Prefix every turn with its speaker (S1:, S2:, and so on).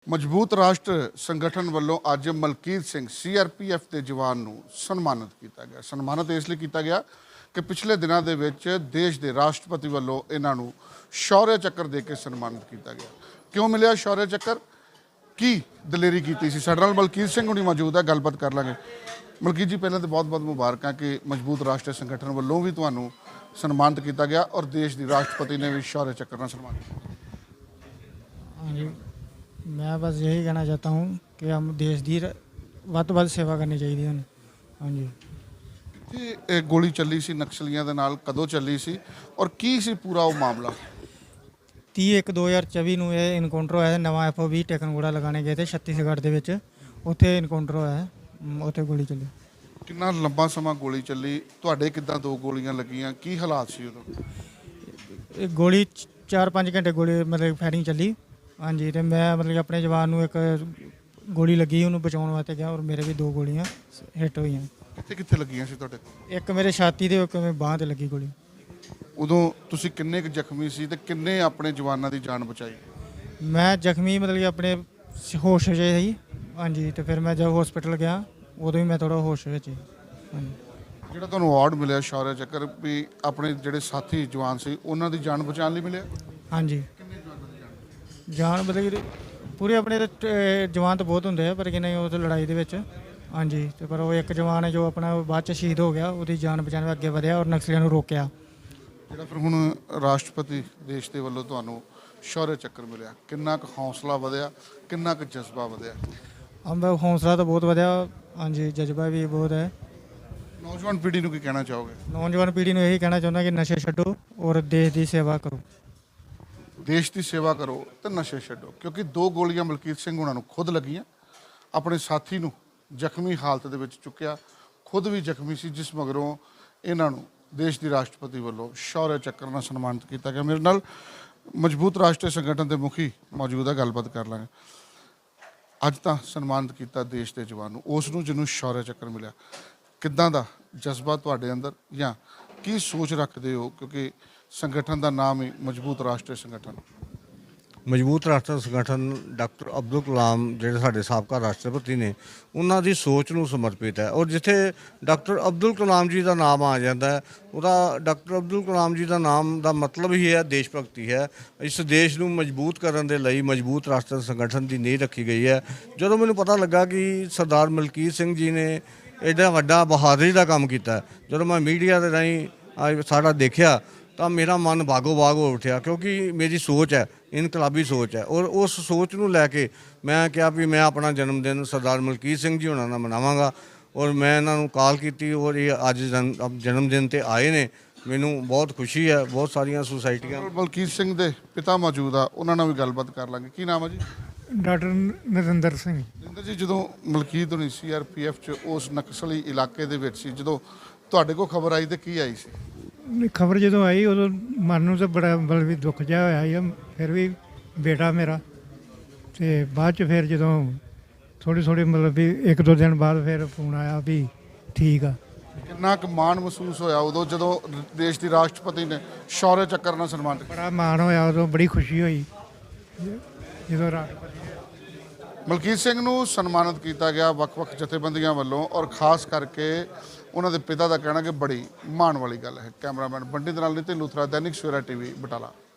S1: ਮਜ਼ਬੂਤ ਰਾਸ਼ਟਰ ਸੰਗਠਨ ਵੱਲੋਂ ਅੱਜ ਮਲਕੀਤ ਸਿੰਘ ਸੀਆਰਪੀਐਫ ਦੇ ਜਵਾਨ ਨੂੰ ਸਨਮਾਨਿਤ ਕੀਤਾ ਗਿਆ। ਸਨਮਾਨਿਤ ਇਸ ਲਈ ਕੀਤਾ ਗਿਆ ਕਿ ਪਿਛਲੇ ਦਿਨਾਂ ਦੇ ਵਿੱਚ ਦੇਸ਼ ਦੇ ਰਾਸ਼ਟਰਪਤੀ ਵੱਲੋਂ ਇਹਨਾਂ ਨੂੰ ਸ਼ੌਰਯ ਚੱਕਰ ਦੇ ਕੇ ਸਨਮਾਨਿਤ ਕੀਤਾ ਗਿਆ। ਕਿਉਂ ਮਿਲਿਆ ਸ਼ੌਰਯ ਚੱਕਰ, ਕੀ ਦਲੇਰੀ ਕੀਤੀ ਸੀ? ਸਾਡੇ ਨਾਲ ਮਲਕੀਤ ਸਿੰਘ ਹੁਣੀ ਮੌਜੂਦ ਹੈ, ਗੱਲਬਾਤ ਕਰ ਲਾਂਗੇ। ਮਲਕੀਤ ਜੀ, ਪਹਿਲਾਂ ਤਾਂ ਬਹੁਤ-ਬਹੁਤ ਮੁਬਾਰਕਾਂ ਕਿ ਮਜ਼ਬੂਤ ਰਾਸ਼ਟਰ ਸੰਗਠਨ ਵੱਲੋਂ ਵੀ ਤੁਹਾਨੂੰ ਸਨਮਾਨਿਤ ਕੀਤਾ ਗਿਆ ਔਰ ਦੇਸ਼ ਦੀ ਰਾਸ਼ਟਰਪਤੀ ਨੇ ਵੀ ਸ਼ੌਰਯ ਚੱਕਰ ਨਾਲ ਸਨਮਾਨਿਤ ਕੀਤਾ।
S2: हाँ जी, मैं बस यही कहना चाहता हूँ कि हम देश की ਵੱਧ ਤੋਂ ਵੱਧ ਸੇਵਾ ਕਰਨੀ ਚਾਹੀਦੀ ਹੈ। ਹਾਂਜੀ,
S1: ਇਹ ਗੋਲੀ ਚੱਲੀ ਸੀ ਨਕਸਲੀਆਂ ਦੇ ਨਾਲ, ਕਦੋਂ ਚੱਲੀ ਸੀ ਔਰ ਕੀ ਸੀ ਪੂਰਾ ਉਹ ਮਾਮਲਾ?
S2: 30/1/2024 ਨੂੰ ਇਹ ਇਨਕਾਊਂਟਰ ਹੋਇਆ ਸੀ। ਨਵਾਂ FO20 ਟਿਕਨਗੋੜਾ ਲਗਾਉਣੇ ਗਏ ਤੇ ਛੱਤੀਸਗੜ੍ਹ ਦੇ ਵਿੱਚ, ਉੱਥੇ ਇਨਕਾਊਂਟਰ ਹੋਇਆ ਹੈ, ਉੱਥੇ ਗੋਲੀ ਚੱਲੀ।
S1: ਕਿੰਨਾ ਲੰਬਾ ਸਮਾਂ ਗੋਲੀ ਚੱਲੀ? ਤੁਹਾਡੇ ਕਿੱਦਾਂ ਦੋ ਗੋਲੀਆਂ ਲੱਗੀਆਂ, ਕੀ ਹਾਲਾਤ ਸੀ ਉਦੋਂ?
S2: ਇਹ ਗੋਲੀ 4-5 ਘੰਟੇ ਗੋਲੀ ਮਤਲਬ ਫਾਇਰਿੰਗ ਚੱਲੀ। ਹਾਂਜੀ, ਤੇ ਮੈਂ ਮਤਲਬ ਆਪਣੇ ਜਵਾਨ ਨੂੰ ਇੱਕ ਗੋਲੀ ਲੱਗੀ, ਉਹਨੂੰ ਬਚਾਉਣ ਵਾਸਤੇ ਗਿਆ ਔਰ ਮੇਰੇ ਵੀ 2 ਗੋਲੀਆਂ ਹਿੱਟ ਹੋਈਆਂ।
S1: ਕਿੱਥੇ ਕਿੱਥੇ ਲੱਗੀਆਂ ਸੀ ਤੁਹਾਡੇ?
S2: ਇੱਕ ਮੇਰੇ ਛਾਤੀ ਤੇ, ਇੱਕ ਮੇਰੇ ਬਾਂਹ ਤੇ ਲੱਗੀ ਗੋਲੀ।
S1: ਉਦੋਂ ਤੁਸੀਂ ਕਿੰਨੇ ਕੁ ਜ਼ਖਮੀ ਸੀ ਤੇ ਕਿੰਨੇ ਆਪਣੇ ਜਵਾਨਾਂ ਦੀ ਜਾਨ ਬਚਾਈ?
S2: ਮੈਂ ਜ਼ਖਮੀ ਮਤਲਬ ਕਿ ਆਪਣੇ ਹੋਸ਼ ਵਿੱਚ ਸੀ। ਹਾਂਜੀ, ਤੇ ਫਿਰ ਮੈਂ ਜਦ ਹਸਪੀਟਲ ਗਿਆ ਉਦੋਂ ਵੀ ਮੈਂ ਥੋੜਾ ਹੋਸ਼ ਵਿੱਚ ਸੀ। ਹਾਂਜੀ,
S1: ਜਿਹੜਾ ਤੁਹਾਨੂੰ ਅਵਾਰਡ ਮਿਲਿਆ ਸ਼ੌਰਯ ਚੱਕਰ, ਵੀ ਆਪਣੇ ਜਿਹੜੇ ਸਾਥੀ ਜਵਾਨ ਸੀ ਉਹਨਾਂ ਦੀ ਜਾਨ ਬਚਾਉਣ ਲਈ ਮਿਲਿਆ?
S2: ਹਾਂਜੀ, ਜਾਨ ਮਤਲਬ ਕਿ ਪੂਰੇ ਆਪਣੇ ਜਵਾਨ ਤਾਂ ਬਹੁਤ ਹੁੰਦੇ ਆ, ਪਰ ਕਿ ਨਹੀਂ ਉਹ ਤਾਂ ਲੜਾਈ ਦੇ ਵਿੱਚ। ਹਾਂਜੀ, ਤੇ ਪਰ ਉਹ ਇੱਕ ਜਵਾਨ ਹੈ ਜੋ ਆਪਣਾ ਬਾਅਦ ਚ ਸ਼ਹੀਦ ਹੋ ਗਿਆ, ਉਹਦੀ ਜਾਨ ਬਚਾਉਣ ਵਿੱਚ ਅੱਗੇ ਵਧਿਆ ਔਰ ਨਕਸਲੀਆਂ ਨੂੰ ਰੋਕਿਆ।
S1: ਜਿਹੜਾ ਫਿਰ ਹੁਣ ਰਾਸ਼ਟਰਪਤੀ ਦੇਸ਼ ਦੇ ਵੱਲੋਂ ਤੁਹਾਨੂੰ ਸ਼ੌਰਯ ਚੱਕਰ ਮਿਲਿਆ, ਕਿੰਨਾ ਕੁ ਹੌਸਲਾ ਵਧਿਆ, ਕਿੰਨਾ ਕੁ ਜਜ਼ਬਾ ਵਧਿਆ?
S2: ਹੌਸਲਾ ਤਾਂ ਬਹੁਤ ਵਧਿਆ। ਹਾਂਜੀ, ਜਜ਼ਬਾ ਵੀ ਬਹੁਤ ਹੈ।
S1: ਨੌਜਵਾਨ ਪੀੜ੍ਹੀ ਨੂੰ ਕੀ ਕਹਿਣਾ ਚਾਹੋਗੇ?
S2: ਨੌਜਵਾਨ ਪੀੜ੍ਹੀ ਨੂੰ ਇਹੀ ਕਹਿਣਾ ਚਾਹੁੰਦਾ ਕਿ ਨਸ਼ੇ ਛੱਡੋ ਔਰ ਦੇਸ਼ ਦੀ ਸੇਵਾ ਕਰੋ।
S1: ਦੇਸ਼ ਦੀ ਸੇਵਾ ਕਰੋ ਤੇ ਨਸ਼ੇ ਛੱਡੋ, ਕਿਉਂਕਿ 2 ਗੋਲੀਆਂ ਮਲਕੀਤ ਸਿੰਘ ਉਹਨਾਂ ਨੂੰ ਖੁਦ ਲੱਗੀਆਂ, ਆਪਣੇ ਸਾਥੀ ਨੂੰ ਜ਼ਖਮੀ ਹਾਲਤ ਦੇ ਵਿੱਚ ਚੁੱਕਿਆ, ਖੁਦ ਵੀ ਜ਼ਖਮੀ ਸੀ, ਜਿਸ ਮਗਰੋਂ ਇਹਨਾਂ ਨੂੰ ਦੇਸ਼ ਦੀ ਰਾਸ਼ਟਰਪਤੀ ਵੱਲੋਂ ਸ਼ੌਰਯ ਚੱਕਰ ਨਾਲ ਸਨਮਾਨਿਤ ਕੀਤਾ ਗਿਆ। ਮੇਰੇ ਨਾਲ ਮਜ਼ਬੂਤ ਰਾਸ਼ਟਰੀ ਸੰਗਠਨ ਦੇ ਮੁਖੀ ਮੌਜੂਦ ਹੈ, ਗੱਲਬਾਤ ਕਰ ਲਾਂਗੇ। ਅੱਜ ਤਾਂ ਸਨਮਾਨਿਤ ਕੀਤਾ ਦੇਸ਼ ਦੇ ਜਵਾਨ ਨੂੰ, ਉਸ ਨੂੰ ਜਿਹਨੂੰ ਸ਼ੌਰਯ ਚੱਕਰ ਮਿਲਿਆ, ਕਿੱਦਾਂ ਦਾ ਜਜ਼ਬਾ ਤੁਹਾਡੇ ਅੰਦਰ, ਜਾਂ ਕੀ ਸੋਚ ਰੱਖਦੇ ਹੋ? ਕਿਉਂਕਿ ਸੰਗਠਨ ਦਾ ਨਾਮ ਹੀ ਮਜ਼ਬੂਤ ਰਾਸ਼ਟਰੀ ਸੰਗਠਨ।
S3: ਮਜ਼ਬੂਤ ਰਾਸ਼ਟਰ ਸੰਗਠਨ ਡਾਕਟਰ ਅਬਦੁਲ ਕਲਾਮ ਜਿਹੜੇ ਸਾਡੇ ਸਾਬਕਾ ਰਾਸ਼ਟਰਪਤੀ ਨੇ, ਉਹਨਾਂ ਦੀ ਸੋਚ ਨੂੰ ਸਮਰਪਿਤ ਹੈ। ਔਰ ਜਿੱਥੇ ਡਾਕਟਰ ਅਬਦੁਲ ਕਲਾਮ ਜੀ ਦਾ ਨਾਮ ਆ ਜਾਂਦਾ ਹੈ, ਉਹਦਾ ਡਾਕਟਰ ਅਬਦੁਲ ਕਲਾਮ ਜੀ ਦਾ ਨਾਮ ਦਾ ਮਤਲਬ ਹੀ ਹੈ ਦੇਸ਼ ਭਗਤੀ ਹੈ। ਇਸ ਦੇਸ਼ ਨੂੰ ਮਜ਼ਬੂਤ ਕਰਨ ਦੇ ਲਈ ਮਜ਼ਬੂਤ ਰਾਸ਼ਟਰ ਸੰਗਠਨ ਦੀ ਨੀਂਹ ਰੱਖੀ ਗਈ ਹੈ। ਜਦੋਂ ਮੈਨੂੰ ਪਤਾ ਲੱਗਾ ਕਿ ਸਰਦਾਰ ਮਲਕੀਤ ਸਿੰਘ ਜੀ ਨੇ ਐਡਾ ਵੱਡਾ ਬਹਾਦਰੀ ਦਾ ਕੰਮ ਕੀਤਾ, ਜਦੋਂ ਮੈਂ ਮੀਡੀਆ ਦੇ ਰਾਹੀਂ ਸਾਡਾ ਦੇਖਿਆ ਤਾਂ ਮੇਰਾ ਮਨ ਬਾਗੋ ਬਾਗ ਹੋ ਉੱਠਿਆ, ਕਿਉਂਕਿ ਮੇਰੀ ਸੋਚ ਹੈ, ਇਨਕਲਾਬੀ ਸੋਚ ਹੈ। ਔਰ ਉਸ ਸੋਚ ਨੂੰ ਲੈ ਕੇ ਮੈਂ ਕਿਹਾ ਵੀ ਮੈਂ ਆਪਣਾ ਜਨਮ ਦਿਨ ਸਰਦਾਰ ਮਲਕੀਤ ਸਿੰਘ ਜੀ ਹੋਣਾ ਨਾਲ ਮਨਾਵਾਂਗਾ। ਔਰ ਮੈਂ ਇਹਨਾਂ ਨੂੰ ਕਾਲ ਕੀਤੀ ਔਰ ਇਹ ਅੱਜ ਜਨਮ ਦਿਨ 'ਤੇ ਆਏ ਨੇ। ਮੈਨੂੰ ਬਹੁਤ ਖੁਸ਼ੀ ਹੈ। ਬਹੁਤ ਸਾਰੀਆਂ ਸੁਸਾਇਟੀਆਂ।
S1: ਮਲਕੀਤ ਸਿੰਘ ਦੇ ਪਿਤਾ ਮੌਜੂਦ ਆ, ਉਹਨਾਂ ਨਾਲ ਵੀ ਗੱਲਬਾਤ ਕਰ ਲਾਂਗੇ। ਕੀ ਨਾਮ ਹੈ ਜੀ?
S2: ਡਾਕਟਰ ਨਰਿੰਦਰ ਸਿੰਘ।
S1: ਨਰਿੰਦਰ ਜੀ, ਜਦੋਂ ਮਲਕੀਤ ਹੋਣੀ ਸੀਆਰਪੀਐਫ 'ਚ ਉਸ ਨਕਸਲੀ ਇਲਾਕੇ ਦੇ ਵਿੱਚ ਸੀ, ਜਦੋਂ ਤੁਹਾਡੇ ਕੋਲ ਖਬਰ ਆਈ ਤੇ ਕੀ ਆਈ ਸੀ?
S2: ਖਬਰ ਜਦੋਂ ਆਈ ਉਦੋਂ ਮਨ ਨੂੰ ਤਾਂ ਬੜਾ ਮਤਲਬ ਵੀ ਦੁੱਖ ਜਿਹਾ ਹੋਇਆ ਸੀ। ਫਿਰ ਵੀ ਬੇਟਾ ਮੇਰਾ, ਤੇ ਬਾਅਦ ਚ ਫਿਰ ਜਦੋਂ ਥੋੜ੍ਹੀ ਮਤਲਬ ਵੀ 1-2 ਦਿਨ ਬਾਅਦ ਫਿਰ ਫੋਨ ਆਇਆ ਵੀ ਠੀਕ ਆ।
S1: ਕਿੰਨਾ ਕੁ ਮਾਣ ਮਹਿਸੂਸ ਹੋਇਆ ਉਦੋਂ ਜਦੋਂ ਦੇਸ਼ ਦੀ ਰਾਸ਼ਟਰਪਤੀ ਨੇ ਸ਼ੌਰਯ ਚੱਕਰ ਨਾਲ ਸਨਮਾਨਿਤ ਕੀਤਾ?
S2: ਬੜਾ ਮਾਣ ਹੋਇਆ ਉਦੋਂ, ਬੜੀ ਖੁਸ਼ੀ ਹੋਈ ਜਦੋਂ ਰਾਸ਼ਟਰਪਤੀ
S1: ਮਲਕੀਤ ਸਿੰਘ ਨੂੰ ਸਨਮਾਨਿਤ ਕੀਤਾ ਗਿਆ ਵੱਖ-ਵੱਖ ਜਥੇਬੰਦੀਆਂ ਵੱਲੋਂ, ਔਰ ਖਾਸ ਕਰਕੇ ਉਹਨਾਂ ਦੇ ਪਿਤਾ ਦਾ ਕਹਿਣਾ ਕਿ ਬੜੀ ਮਾਣ ਵਾਲੀ ਗੱਲ ਹੈ। ਕੈਮਰਾਮੈਨ ਬੰਟੀ ਦੇ ਨਾਲ ਨਿਤਿਨ ਲੂਥਰਾ, ਦੈਨਿਕ ਸਵੇਰਾ TV, ਬਟਾਲਾ।